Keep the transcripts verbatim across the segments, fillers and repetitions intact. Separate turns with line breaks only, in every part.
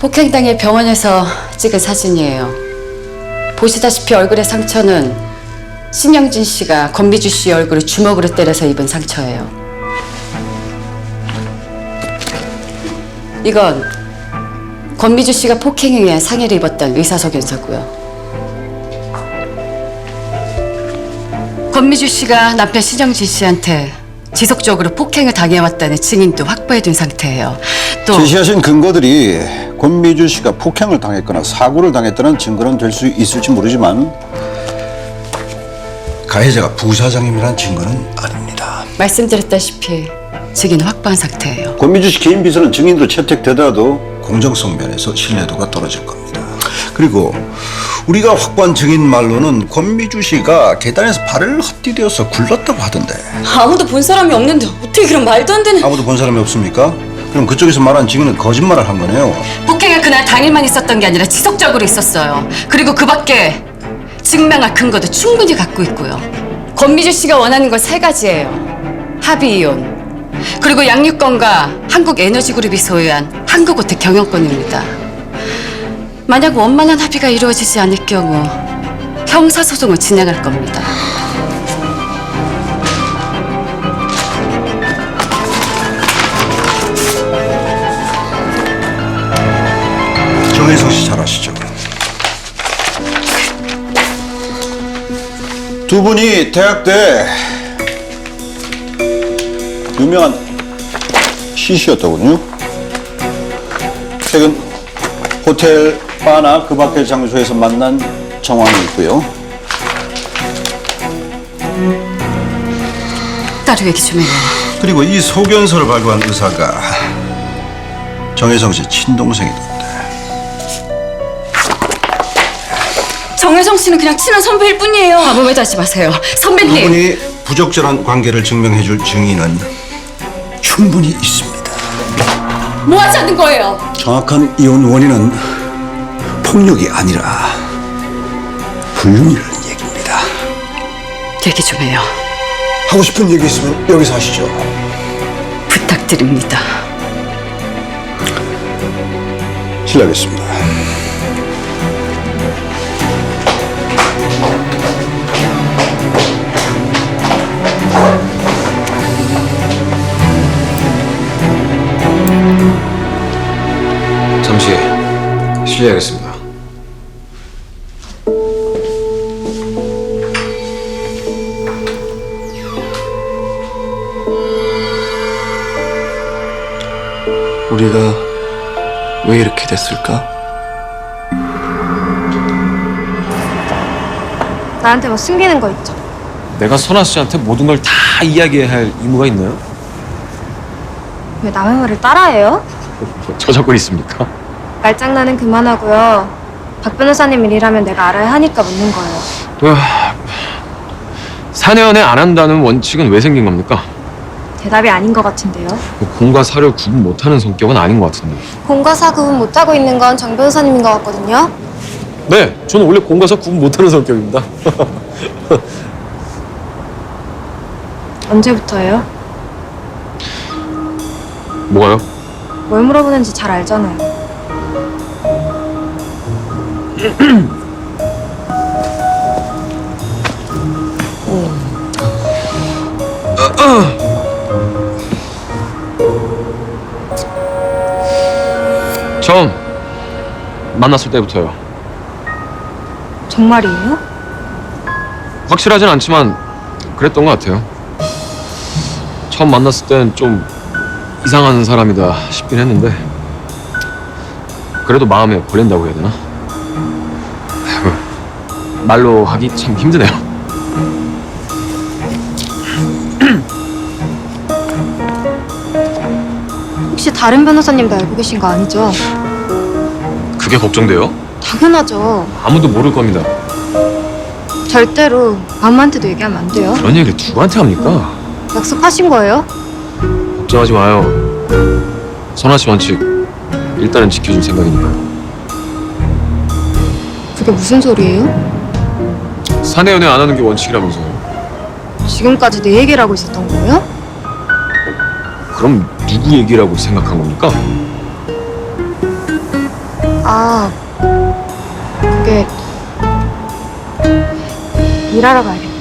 폭행당일 병원에서 찍은 사진이에요. 보시다시피 얼굴의 상처는 신영진 씨가 권미주 씨 얼굴을 주먹으로 때려서 입은 상처예요. 이건 권미주 씨가 폭행에 의한 상해를 입었던 의사소견서고요. 권미주 씨가 남편 신영진 씨한테 지속적으로 폭행을 당해왔다는 증인도 확보해둔 상태예요. 또
제시하신 근거들이 권미주 씨가 폭행을 당했거나 사고를 당했다는 증거는 될 수 있을지 모르지만 가해자가 부사장님이라는 증거는 아닙니다.
말씀드렸다시피 증인은 확보한 상태예요.
권미주 씨 개인 비서는 증인으로 채택되더라도 공정성 면에서 신뢰도가 떨어질 겁니다. 그리고 우리가 확보한 증인 말로는 권미주 씨가 계단에서 발을 헛디뎌서 굴렀다고 하던데.
아무도 본 사람이 없는데 어떻게 그런 말도 안 되는...
아무도 본 사람이 없습니까? 그럼 그쪽에서 말한 증인은 거짓말을 한 거네요.
폭행은 그날 당일만 있었던 게 아니라 지속적으로 있었어요. 그리고 그 밖에 증명할 근거도 충분히 갖고 있고요. 권미주 씨가 원하는 건 세 가지예요. 합의 이혼, 그리고 양육권과 한국에너지그룹이 소유한 한국호텔 경영권입니다. 만약 원만한 합의가 이루어지지 않을 경우 형사소송을 진행할 겁니다.
정혜성 씨 잘 아시죠? 두 분이 대학 때 유명한 시시였더군요. 최근 호텔, 바나 그 밖의 장소에서 만난 정황이 있고요.
따로 얘기 좀 해요.
그리고 이 소견서를 발부한 의사가 정혜성 씨 친동생이던데.
정혜성 씨는 그냥 친한 선배일 뿐이에요.
아무 말도 하지 마세요.
두
선배님!
분이 부적절한 관계를 증명해줄 증인은 충분히 있습니다.
뭐 하자는 거예요?
정확한 이혼 원인은 폭력이 아니라 불륜이라는 얘기입니다.
얘기 좀 해요.
하고 싶은 얘기 있으면 여기서 하시죠.
부탁드립니다.
실례하겠습니다.
잠시 실례하겠습니다.
우리가 왜 이렇게 됐을까?
나한테 뭐 숨기는 거 있죠?
내가 선아 씨한테 모든 걸 다 이야기해야 할 의무가 있나요?
왜 남의 말을 따라해요?
저작권 있습니까?
말장난은 그만하고요. 박 변호사님 일이라면 내가 알아야 하니까 묻는 거예요.
으아, 사 년에 안 한다는 원칙은 왜 생긴 겁니까?
대답이 아닌 것 같은데요.
공과 사를 구분 못하는 성격은 아닌 것 같은데.
공과 사 구분 못하고 있는 건 정 변호사님인 것 같거든요.
네, 저는 원래 공과 사 구분 못하는 성격입니다.
언제부터예요?
뭐가요?
뭘 물어보는지 잘 알잖아요.
처음 만났을 때부터요.
정말이에요?
확실하진 않지만 그랬던 것 같아요. 처음 만났을 땐 좀 이상한 사람이다 싶긴 했는데 그래도 마음에 걸린다고 해야 되나? 아이고, 말로 하기 참 힘드네요.
혹시 다른 변호사님도 알고 계신 거 아니죠?
그게 걱정돼요?
당연하죠.
아무도 모를 겁니다.
절대로 아무한테도 얘기하면 안 돼요.
그런 얘기를 누구한테 합니까?
약속하신 거예요?
걱정하지 마요. 선아 씨 원칙 일단은 지켜줄 생각이니까요.
그게 무슨 소리예요?
사내 연애 안 하는 게 원칙이라면서요.
지금까지 내 얘기를 하고 있었던 거예요?
그럼 누구 얘기라고 생각한 겁니까?
아, 그게 일하러 가야겠다.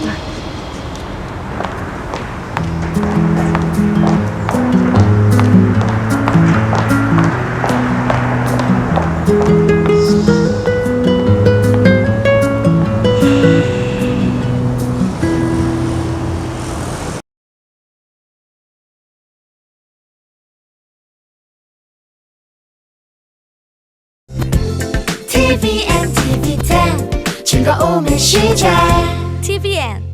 티비엔, 티비텐 즐거움의 시작 티비엔